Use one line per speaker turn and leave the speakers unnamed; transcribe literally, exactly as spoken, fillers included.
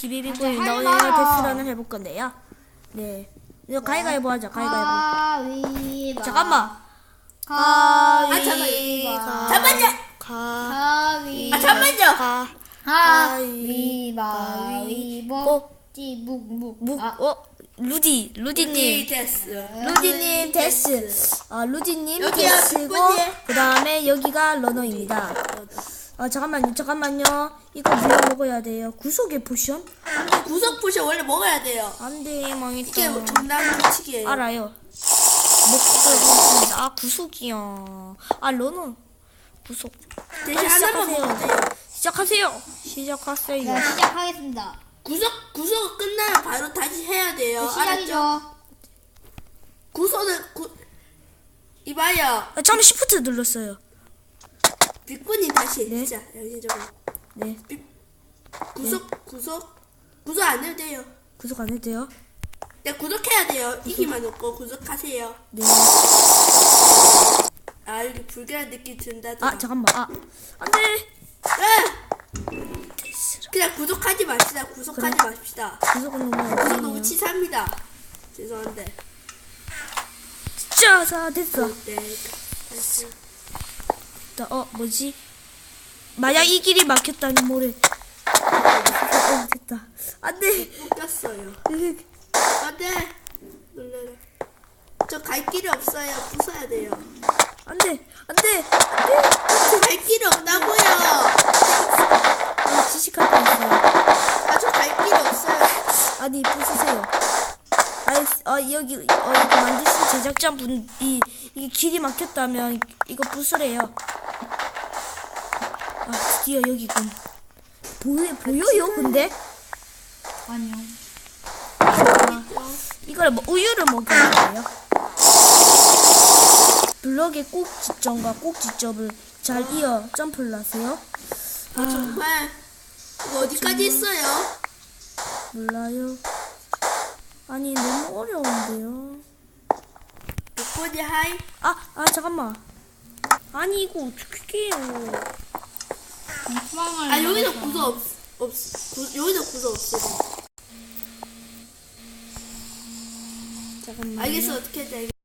기비비보입니다.
아,
오늘
하지 마라.
데스런을 해볼 건데요. 네. 이거 가위가위보 하자. 가위가위보.
가위바.
잠깐만.
가위.
아,
가.
잠깐만요.
가.
가위.
아, 잠깐만요.
가.
가위바위보. 묵묵.
묵.
아,
어? 루디. 루디님.
데스.
루디님 데스. 아, 루디님
여기요,
데스고
뒷분이.
그 다음에 여기가 러너입니다. 아, 잠깐만요. 잠깐만요. 이거 물려 먹어야 돼요. 구속의 포션?
구석 포션 원래 먹어야 돼요.
안 돼. 망했다.
이게 정답 규칙이에요.
알아요. 먹고 아 구속이요. 아 러너 구속.
대신 하나만 먹으면 돼요.
시작하세요. 시작하세요.
자, 시작하겠습니다.
구석 구석 끝나면 바로 다시 해야 돼요.
네, 시작이죠.
알았죠? 구석은 구 이봐요.
아, 처음에 시프트 눌렀어요.
빅분이 다시
네.
자 여기 저거
네.
구석 구석 구석 안 해도 돼요.
구속 안 해도 돼요?
네 구독해야 돼요. 이기만 없고 구독하세요.
네.
아 여기 불길한 느낌 든다.
아 잠깐만. 아 안돼.
그냥 구독하지 맙시다. 구독하지
그래.
맙시다.
구속은 너무
구독 너무
어려워요.
치사합니다. 죄송한데.
자, 자 됐어.
네. 다시.
자, 어 뭐지? 만약 이 길이 막혔다니 뭐래? 어, 됐다. 안돼.
꼈어요. 안돼. 놀래라. 저 갈 길이 없어요. 부숴야 돼요.
안돼. 안돼. 안돼.
저 갈 길이 없다고요.
아, 지식할 거 있어요.
아 저 갈 길이 없어요.
아니 부수세요. 아니 어 여기 어 이거 만드신 제작자 분이 이게 길이 막혔다면 이거 부수래요. 아 드디어 여기군. 보여 보여요 근데?
아니요.
아, 이걸 뭐 우유를 먹여야 돼요. 블럭의 꼭지점과 꼭지점을 잘 이어 점프를 하세요.
아 정말 이거 어디까지 있어요?
몰라요. 아니 너무 어려운데요.
빅보디 하이.
아, 아 잠깐만. 아니 이거 어떻게 해요?
소망을.
아 여기서 구석 없 없. 구, 여기서 구석 없어.
잠깐만.
알겠어 어떻게 해야 돼.